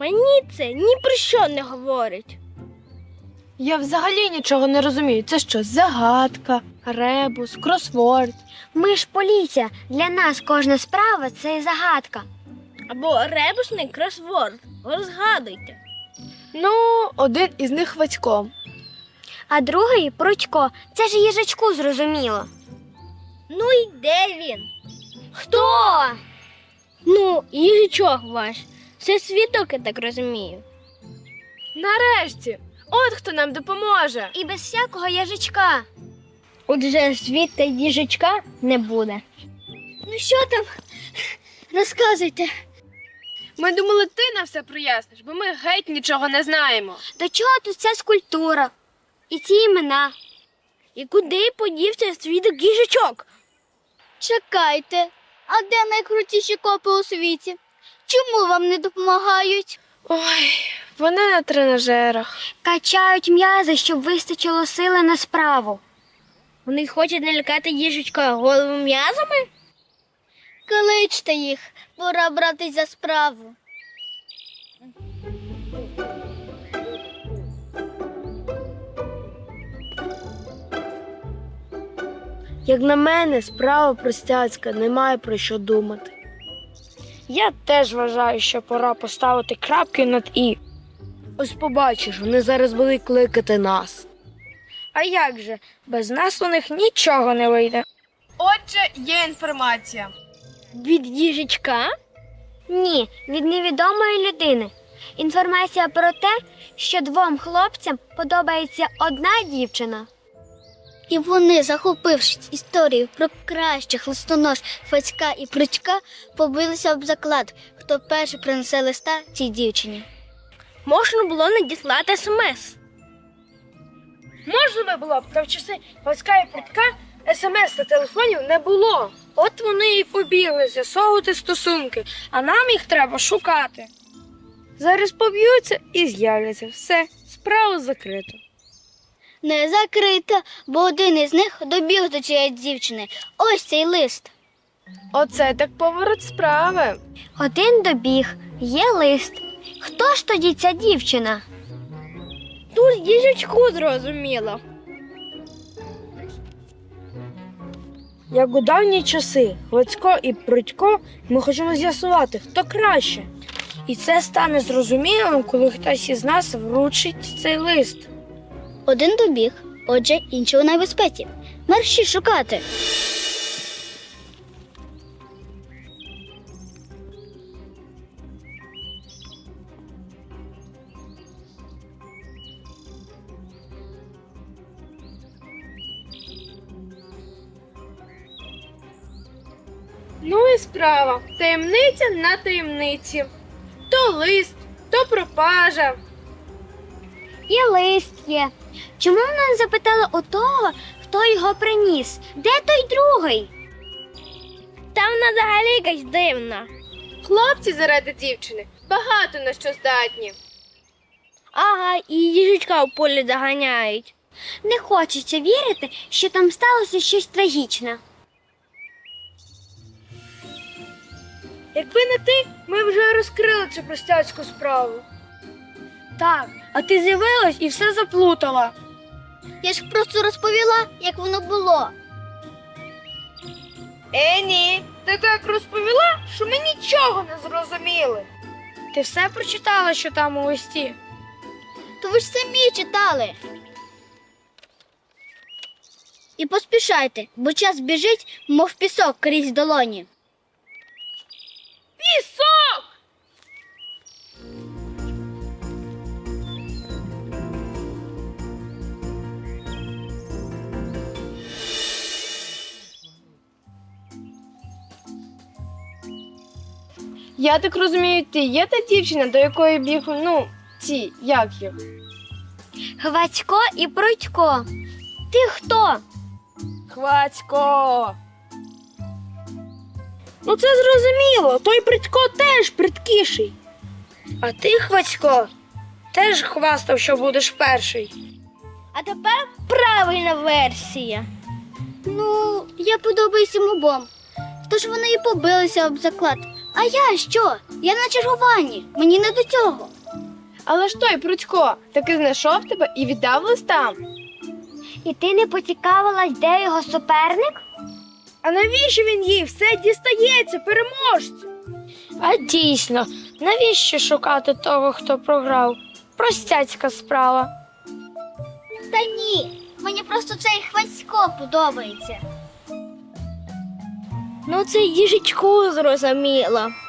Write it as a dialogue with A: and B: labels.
A: Мені це ні про що не говорить.
B: Я взагалі нічого не розумію. Це що, загадка, ребус, кросворд?
C: Ми ж поліція. Для нас кожна справа – це загадка.
A: Або ребусний кросворд. Розгадуйте.
B: Ну, один із них Вацько.
C: А другий – Прудько. Це ж їжачку зрозуміло.
A: Ну і де він?
C: Хто?
A: Ну, їжачок ваш. Це світок, я так розумію.
B: Нарешті! От хто нам допоможе.
C: І без всякого їжачка.
A: Отже, світа їжачка не буде.
C: Ну що там? Розказуйте.
B: Ми думали, ти нам все проясниш, бо ми геть нічого не знаємо.
C: До чого тут ця скульптура? І ці імена?
A: І куди подівся світок їжачок?
C: Чекайте, а де найкрутіші копи у світі? Чому вам не допомагають?
B: Ой, вони на тренажерах.
C: Качають м'язи, щоб вистачило сили на справу.
A: Вони хочуть налякати їжачка голову м'язами?
C: Кличте їх, пора братись за справу.
B: Як на мене, справа простяцька, немає про що думати. Я теж вважаю, що пора поставити крапки над «і». Ось побачиш, вони зараз будуть кликати нас. А як же? Без нас у них нічого не вийде. Отже, є інформація.
A: Від їжачка?
C: Ні, від невідомої людини. Інформація про те, що двом хлопцям подобається одна дівчина. І вони, захопившись історією про кращих листонож Вацька і Прудька, побилися об заклад, хто перший принесе листа цій дівчині.
A: Можна було надіслати смс.
B: Можна би було б, та в часи Вацька і Прудька смс та телефонів не було. От вони і побігли з'ясовувати стосунки, а нам їх треба шукати. Зараз поб'ються і з'являться. Все, справа закрита.
C: Не закрита, бо один із них добіг до цієї дівчини. Ось цей лист.
B: Оце так поворот справи.
C: Один добіг, є лист. Хто ж тоді ця дівчина?
A: Тут їжачку зрозуміло.
B: Як у давні часи Вацько і Прудько, ми хочемо з'ясувати, хто краще. І це стане зрозумілим, коли хтось із нас вручить цей лист.
C: Один добіг, отже, інший у небезпеці. Мерщі шукати.
B: Ну і справа. Таємниця на таємниці. То лист, то пропажа.
C: І лист є. Чому вона не запитала у того, хто його приніс? Де той другий?
A: Та вона взагалі якась дивна.
B: Хлопці заради дівчини багато на що здатні.
A: Ага, і їжачка в полі заганяють.
C: Не хочеться вірити, що там сталося щось трагічне.
B: Якби не ти, ми вже розкрили цю простяцьку справу. Так, а ти з'явилась і все заплутала.
C: Я ж просто розповіла, як воно було.
B: Ні, ти так розповіла, що ми нічого не зрозуміли. Ти все прочитала, що там у листі?
C: То ви ж самі читали. І поспішайте, бо час біжить, мов пісок крізь долоні.
B: Пісок! Я так розумію, ти є та дівчина, до якої біг, як їх?
C: Вацько і Прудько. Ти хто?
B: Хвацько! Ну це зрозуміло, той Прудько теж придкіший. А ти, Хвацько, теж хвастав, що будеш перший.
A: А тепер правильна версія.
C: Ну, я подобаюсь їм обом. Тож вони і побилися об заклад. А я що? Я на чергуванні, мені не до цього.
B: Але ж той Прудько таки знайшов тебе і віддав листа.
C: І ти не поцікавилась, де його суперник?
B: А навіщо він їй все дістається, переможцю? А дійсно, навіщо шукати того, хто програв? Простяцька справа.
C: Та ні, мені просто цей Хвацько подобається.
A: Ну, це їжачку зрозуміло.